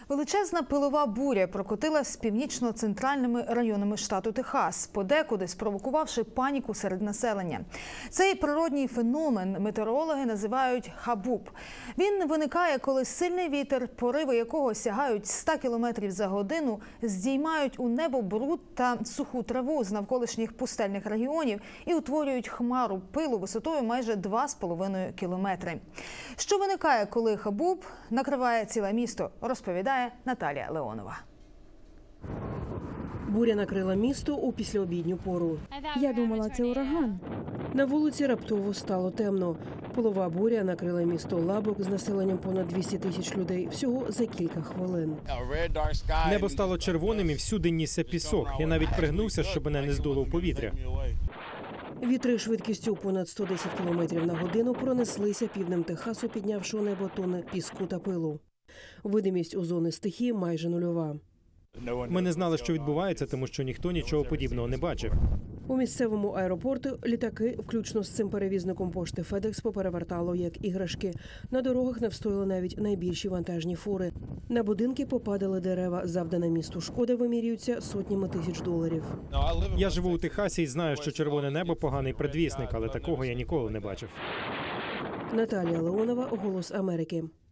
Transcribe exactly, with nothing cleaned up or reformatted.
Величезна пилова буря прокотилась північно-центральними районами штату Техас, подекуди спровокувавши паніку серед населення. Цей природній феномен метеорологи називають хабуб. Він виникає, коли сильний вітер, пориви якого сягають ста кілометрів за годину, здіймають у небо бруд та суху траву з навколишніх пустельних регіонів і утворюють хмару пилу висотою майже два з половиною кілометри. Що виникає, коли хабуб накриває ціле місто, розповідає Наталія Леонова. Буря накрила місто у післяобідню пору. Я думала, це ураган. На вулиці раптово стало темно. Пилова буря накрила місто Лабок з населенням понад двісті тисяч людей всього за кілька хвилин. Небо стало червоним і всюди нісся пісок. Я навіть пригнувся, щоб мене не здуло в повітря. Вітри швидкістю понад сто десять кілометрів на годину пронеслися півднем Техасу, піднявши у небо тони піску та пилу. Видимість у зони стихії майже нульова. Ми не знали, що відбувається, тому що ніхто нічого подібного не бачив. У місцевому аеропорту літаки, включно з цим перевізником пошти FedEx, поперевертало як іграшки. На дорогах не встояли навіть найбільші вантажні фури. На будинки попадали дерева. Завдана місту шкода вимірюється сотнями тисяч доларів. Я живу у Техасі і знаю, що червоне небо – поганий предвісник, але такого я ніколи не бачив. Наталія Леонова, «Голос Америки».